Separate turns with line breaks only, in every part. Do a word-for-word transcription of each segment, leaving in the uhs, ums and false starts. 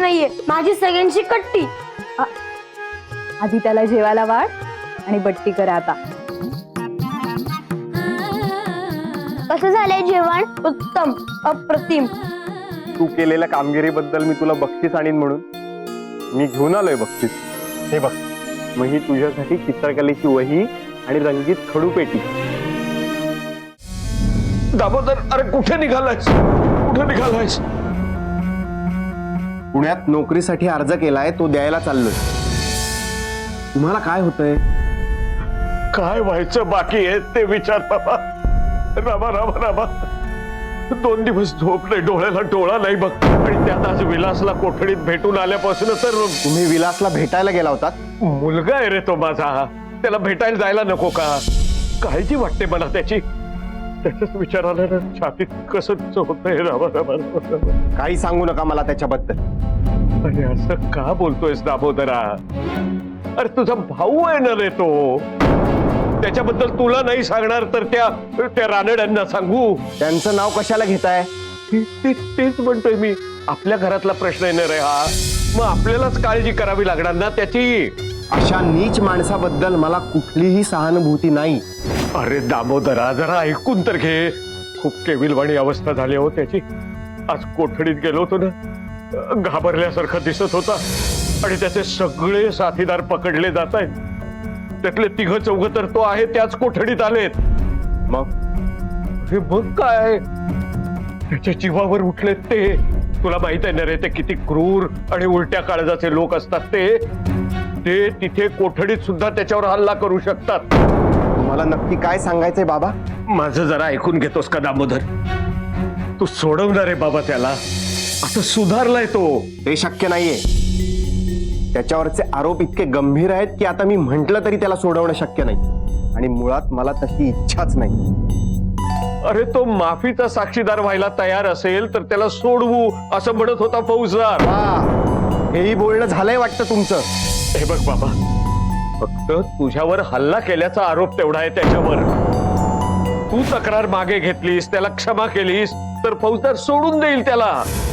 नाहीये, माझी सगळ्यांची कट्टी.
आधी त्याला जेवायला वाढ आणि बट्टी करा आता.
कसं झालंय जेवण? उत्तम, अप्रतिम.
तू केलेल्या कामगिरीबद्दल मी तुला बक्षीस आणीन म्हणून मी घेऊन आलोय बक्षीस. हे बघ, मग ही तुझ्यासाठी चित्रकलेची वही आणि रंगीत खडू पेटी.
दामोदर, अरे कुठे निघालायस? कुठे निघालायस?
पुण्यात नोकरीसाठी अर्ज केलाय, तो द्यायला चाललोय. तुम्हाला काय होतंय?
काय व्हायचं बाकी आहे ते विचार बाबा. रामा रामा रामा, दोन दिवस झोप नाही, डोळ्याला डोळा नाही बघ. आणि त्यात आज विलासला कोठडीत भेटून आल्यापासून तर.
तुम्ही विलासला भेटायला गेला होता?
मुलगा आहे रे तो माझा, त्याला भेटायला जायला नको का? काळजी वाटते मला त्याची. त्याच्याच विचाराला ना छातीत कसंच होतंय. रामा रामा रामा,
काही सांगू नका मला त्याच्याबद्दल.
अरे असं का बोलतोयस दामोदरा? अरे तुझा भाऊ आहे ना रे तो. त्याच्याबद्दल तुला नाही सांगणार तर त्या त्या रानड्यांना सांगू?
त्यांचं नाव कशाला घेताय?
तेच म्हणतोय मी, आपल्या घरातला प्रश्न आहे ना रे हा. मग आपल्यालाच काळजी करावी लागणार ना त्याची.
अशा नीच माणसाबद्दल मला कुठलीही सहानुभूती नाही.
अरे दामोदरा, जरा ऐकून तर घे. खूप केविलवाणी अवस्था झाली हो त्याची. आज कोठडीत गेलो होतो ना, घाबरल्यासारखा दिसत होता. आणि त्याचे सगळे साथीदार पकडले जात आहेत. त्यातले तिघ चौघ तर तो आहे त्याच कोठडीत आलेत.
मग
हे बघ काय त्याच्या जीवावर उठलेत ते. तुला माहित आहे ना रे ते किती क्रूर आणि उलट्या काळजाचे लोक असतात ते. ते तिथे कोठडीत सुद्धा त्याच्यावर हल्ला करू शकतात.
तुम्हाला नक्की काय सांगायचंय बाबा?
माझं जरा ऐकून घेतोस का दामोदर? तू सोडवणार आहे बाबा त्याला. आता सुधारलाय तो.
ते शक्य नाहीये. त्याच्यावरचे आरोप इतके गंभीर आहेत की आता मी म्हंटल तरी त्याला सोडवणं शक्य नाही. आणि मुळात मला तशी इच्छाच नाही.
अरे तो माफीचा साक्षीदार व्हायला तयार असेल तर त्याला सोडवू असं म्हणत होता फौजदार.
हेही बोलणं झालंय वाटतं तुमचं.
हे बघ बाबा, फक्त तुझ्यावर हल्ला केल्याचा आरोप तेवढा आहे त्याच्यावर. तू तक्रार मागे घेतलीस, त्याला क्षमा केलीस तर फौजदार सोडून देईल त्याला.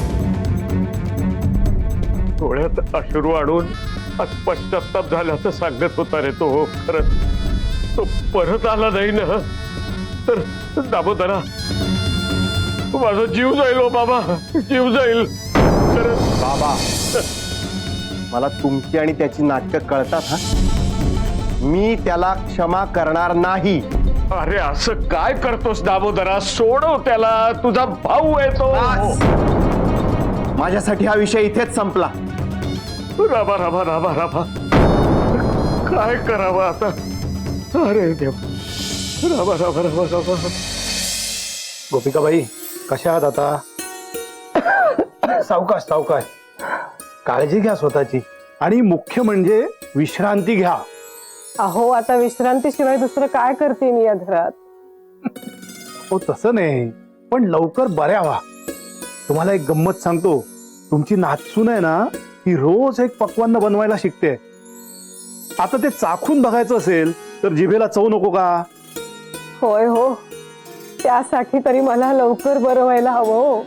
डोळ्यात अश्रू आणून आज पश्चाताप झाल्याचं सांगत होता रे तो. खरंच तो परत आला नाही ना तर दामोदरा माझा जीव जाईल हो बाबा, जीव जाईल. खरंच
बाबा, मला तुमची आणि त्याची नाटकं कळतात. हा, मी त्याला क्षमा करणार नाही.
अरे असं काय करतोस दामोदरा? सोडव त्याला, तुझा भाऊ आहे तो.
माझ्यासाठी हा विषय इथेच संपला.
रामा रामा रामा रामा, काय करावं आता? अरे देव, रामा रामा रामा रामा.
गोपिकाबाई, कशा आहात आता? सावकाश सावकाश, काळजी घ्या स्वतःची. आणि मुख्य म्हणजे विश्रांती घ्या.
अहो, आता विश्रांतीशिवाय दुसरं काय करते मी या घरात?
हो तसं नाही, पण लवकर बऱ्या व्हा. तुम्हाला एक गंमत सांगतो. तुमची नातसून आहे ना, ती रोज एक पक्वान्न बनवायला शिकते. आता ते चाखून बघायचं असेल तर जिभेला चव नको का?
होय हो, त्यासाठी तरी मला लवकर बरं व्हायला हवं हो.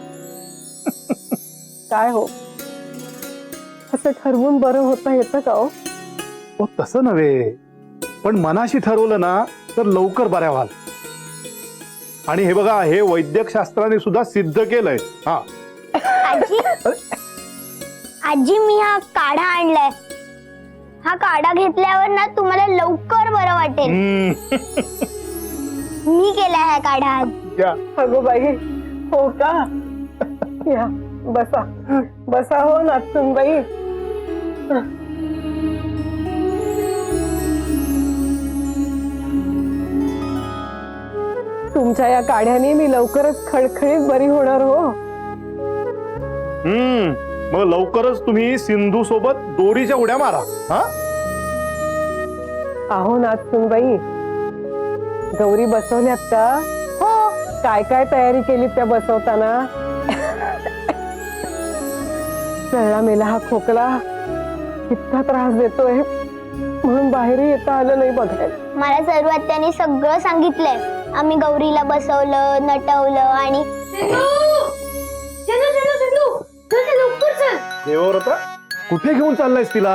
काय हो, असं ठरवून बरं होता येतं का हो?
हो तसं नव्हे, पण मनाशी ठरवलं ना तर लवकर बऱ्या व्हाल. आणि हे बघा, हे वैद्यक शास्त्राने सुद्धा सिद्ध केलंय. हा
आजी, आजी मी हा काढा आणलाय. हा काढा घेतल्यावर ना तुम्हाला लवकर बरं वाटेल. मी केलाय हा काढा आज.
अगो बाई, हो का? या बसा बसा हो नाचून बाई. तुमच्या या काढ्याने मी लवकरच खडखडीत बरी होणार हो.
हम्म मग लवकरच तुम्ही सिंधू सोबत दोरीच्या उड्या मारा. हा,
अहो नाचून बाई, गौरी बसवल्यात का?
हो.
काय काय तयारी केली त्या बसवताना? चळला मेला हा खोकला इतका त्रास देतोय म्हणून बाहेर येता आलं नाही बघायला.
मला सर्व त्यांनी सगळं सांगितलंय. आम्ही गौरीला बसवलं, नटवलं आणि
देवव्रता कुठे घेऊन चाललायस तिला?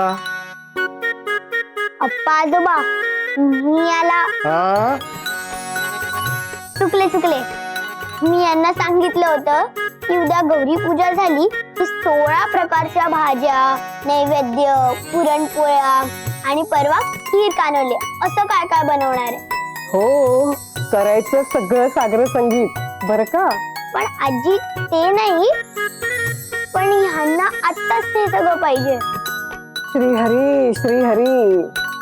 अप्पा आजोबा मी याला
हा
चुकले चुकले मी यांना सांगितलं होतं की उद्या गौरी पूजा झाली की सोळा प्रकारच्या भाज्या, नैवेद्य, पुरणपोळ्या आणि परवा खीर कानवले असं काय काय बनवणार आहे.
हो, करायचं सगळं सागर संगीत बरं का.
पण आजी ते नाही, पण ह्यांना आत्ताच ते सगळं पाहिजे.
श्रीहरी श्रीहरी.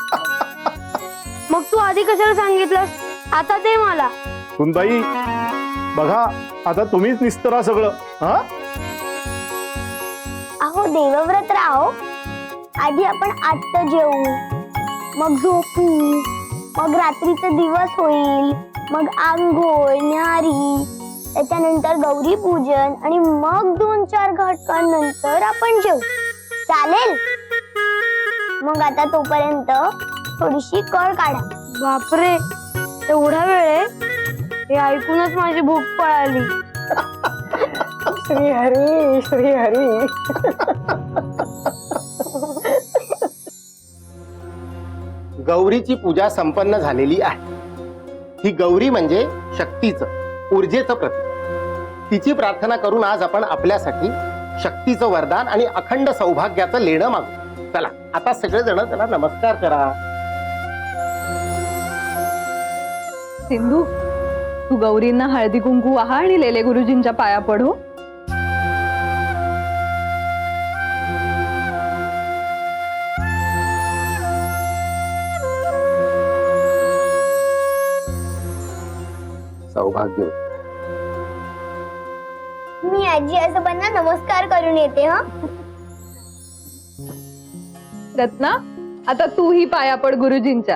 मग तू आधी कशाला सांगितलंस? आता ते मला.
सुनबाई बघा आता तुम्हीच निस्तरा सगळं. हा
अहो देवव्रत राहो, आधी आपण आत्ता जेवू, मग झोपू, मग रात्रीचा दिवस होईल, मग आंघोळ न्याहारी, त्याच्यानंतर गौरी पूजन आणि मग दोन चार घटकांनंतर आपण जेवू. चालेल? मग आता तोपर्यंत थोडीशी कळ काढा. बापरे, एवढा वेळ आहे? हे ऐकूनच माझी भूक पळाली.
श्रीहरी श्रीहरी.
गौरीची पूजा संपन्न झालेली आहे. ही गौरी म्हणजे शक्तीचं, ऊर्जेचं प्रतीक. तिची प्रार्थना करून आज आपण आपल्यासाठी शक्तीचं वरदान आणि अखंड सौभाग्याचं लेणं मागू. चला आता सगळेजण त्याला नमस्कार करा.
सिंधू, तू गौरींना हळदी कुंकू वाहा आणि लेले गुरुजींच्या पाया पडू.
सौभाग्य.
मी आजी आजोबांना नमस्कार करून येते. हा
रत्ना, आता तूही पाया पड गुरुजींच्या.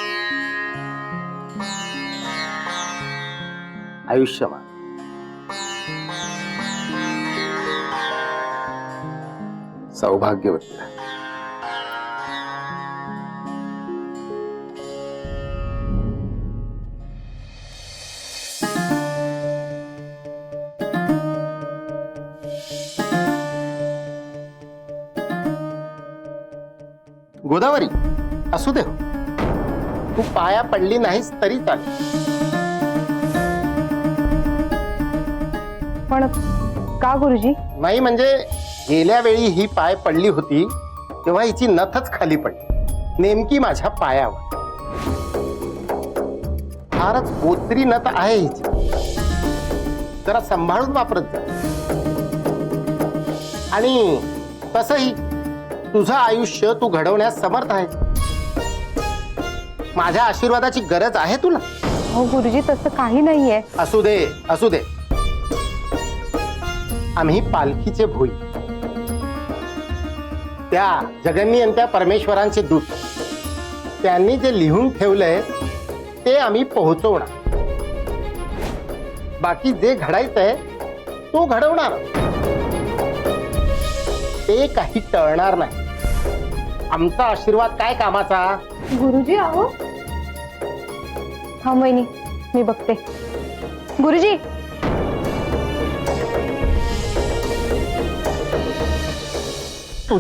आयुष्यमान. सौभाग्यवती. गोदावरी असू दे, तू पाया पडली नाहीस तरी चालेल.
पण का गुरुजी?
नाही म्हणजे गेल्या वेळी ही पाय पडली होती तेव्हा हिची नथच खाली पडली, नेमकी माझ्या पायावर. फारच बोत्री नथ आहे हिची, जरा सांभाळून वापरत जा. आणि तसंही तुझं आयुष्य तू घडवण्यास समर्थ आहे. माझ्या आशीर्वादाची गरज आहे तुला.
हो गुरुजी, तसं काही नाहीये.
असू दे असू दे. आम्ही पालखीचे भोई, त्या जगन्नियंत्या परमेश्वरांचे दूत. त्यांनी जे लिहून ठेवलंय ते आम्ही पोहोचवणार. बाकी जे घडायचंय तो घडवणार. ते काही टळणार नाही. आमचा आशीर्वाद काय कामाचा.
गुरुजी आहो. हा वहिनी, मी बघते. गुरुजी,